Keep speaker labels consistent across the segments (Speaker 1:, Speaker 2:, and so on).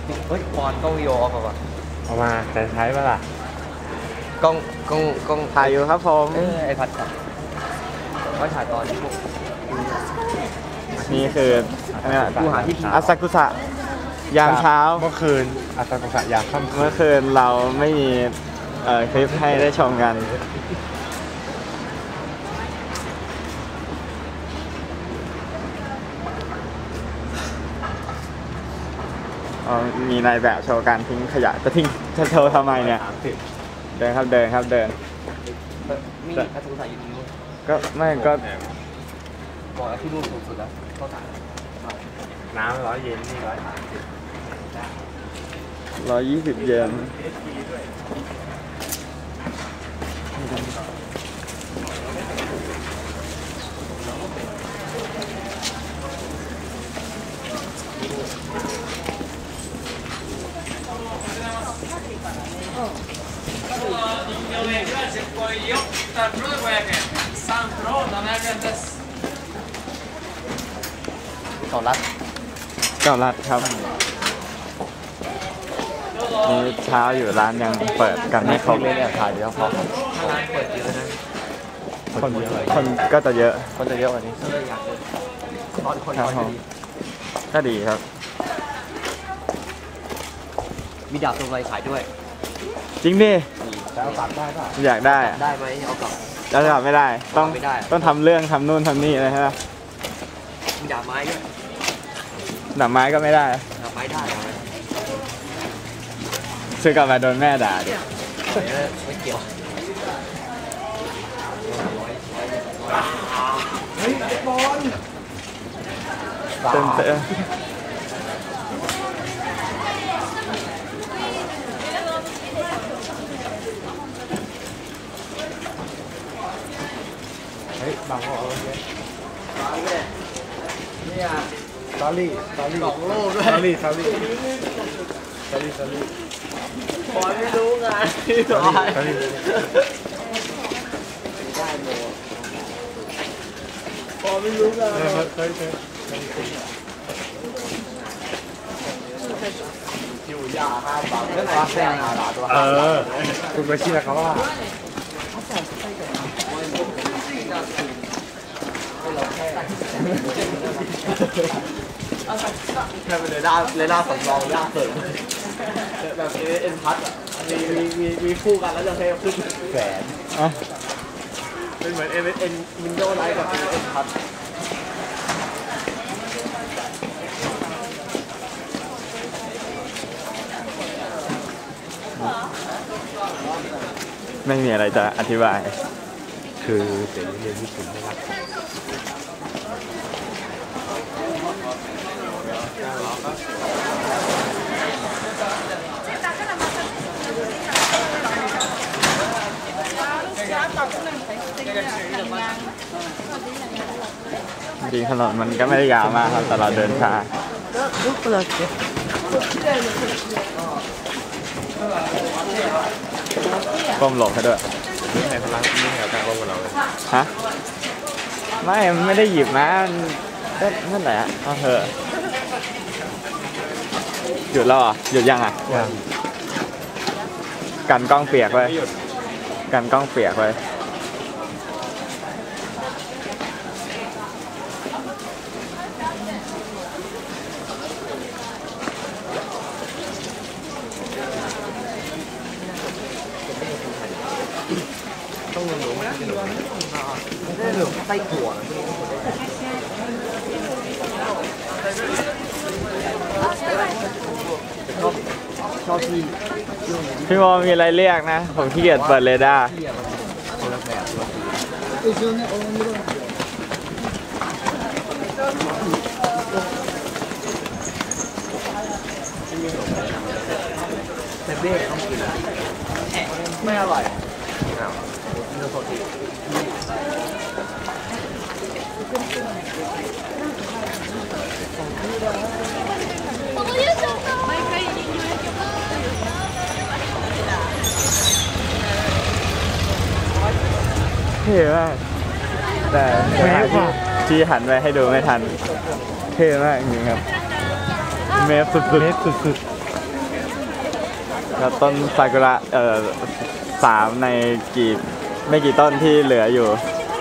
Speaker 1: เฮ้ยปอนกล้องวิดีโอออกมา
Speaker 2: เอามาจะใช้ปะล่ะ
Speaker 1: กล้อง
Speaker 3: ถ่ายอยู่ครับผม
Speaker 1: ไอพัดครับว่าถ่ายตอนที่พวก
Speaker 3: นี่คือ
Speaker 1: กูหาที่
Speaker 3: อาซากุสะยามเช้า
Speaker 2: เมื่อคืนอาซากุสะยามค่ำ
Speaker 3: เมื่อคืนเราไม่มีคลิปให้ได้ชมกันมีนายแบบโชว์การทิ้งขยะจะทิ้งจะโชว์ทำไมเนี่ยเดินครับเดินครับเดิน
Speaker 1: มีอาซากุสะอยู่ตรงนู้น
Speaker 3: ก็ไม่ก็
Speaker 1: บอกที่นู่นสูงสุดแล้วเข้าสาร
Speaker 2: น้ำ100 เยนนี่
Speaker 3: 120 เยน
Speaker 1: เก่ารัด
Speaker 3: ครับนี่เช้าอยู่ร้านยังเปิดกันไม่ครบ
Speaker 1: เลยเนี่ยถ่ายเดี๋ยวพอร้านเปิดเยอะนะ
Speaker 3: คนก็จะเยอะ
Speaker 1: กว่านี้ก็เลยอยากตอนคน
Speaker 3: ก็ดีครับ
Speaker 1: มีดาบตัวอะไรขายด้วย
Speaker 3: จริงดิ
Speaker 2: จะเอากลับได้ป่ะ
Speaker 3: อยากได้
Speaker 1: ได้ไหมเอากลับ
Speaker 3: แล้วกลับไม่ได้ต้องทำเรื่องทำนู่นทำนี่เลยใช่ไหม
Speaker 1: มีดาบไม้ด้วย
Speaker 3: ดาบไม้ก็ไม่ได้
Speaker 1: ดาบไม้ได้
Speaker 3: ซื้อกลับมาโดนแม่ด่าดิ
Speaker 1: ไม่เกี่ยว
Speaker 2: เฮ้ยบอล
Speaker 3: เต้น
Speaker 2: เฮ้ยบางคนเนี่ยซาลี่
Speaker 1: กล่องโลกด้วย
Speaker 2: ซาลี่
Speaker 1: บอลไม่รู้ไง
Speaker 2: ซาลี่
Speaker 1: บอลไม่รู้ไง
Speaker 2: คุณไปชี้นะครับว่า
Speaker 1: แค่เป็นเลยด้าสำรองด้าเสริมแบบเอ็นพัดอ่ะมีคู่กันแล้วจะให้ขึ้นแสนเป็นเหมือนเอ็นวินโดว์ไลท์กับเอ็นพัด
Speaker 3: ไม่มีอะไรจะอธิบาย
Speaker 2: คือเด็กเรียนญี่ปุ่นนะครับ
Speaker 3: จริงถนนมันก็ไม่ได้ยาวมากครับแต่เราเดินช้าก้มหลบให้ด้วย
Speaker 2: นี่ไงพลังนี่แถวกลางโลกเราเลย
Speaker 3: ฮะไม่ได้หยิบมานั่นแหละเอาเถอะหยุดแล้วอ่ะหยุดยังอ่ะกันกล้องเปียกไว้กันกล้องเปียกไว้
Speaker 1: ต้องเหลืองไม่ได้เหลืองไส้ถั่วชอบ
Speaker 3: พี่โมมีอะไรเรียกนะผมขี้เกียจเปิดเรดาร์
Speaker 1: แต่เบ้ต้องกินไม่อร่อยเนื้อสด
Speaker 3: เท่มากแต่ที่หันไปให้ดูไม่ทันเท่มากจริงครับเมฟสุดแล้วต้นซากุระ3 ในไม่กี่ต้นที่เหลืออยู่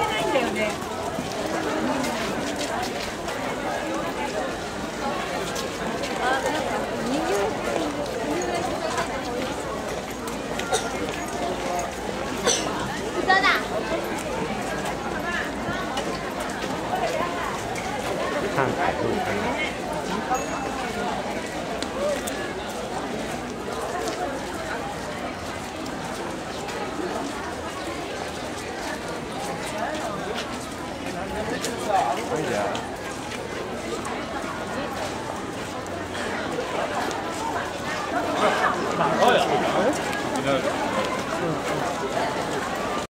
Speaker 2: ข้างถ่ายรูปกัน
Speaker 3: เดี๋ยว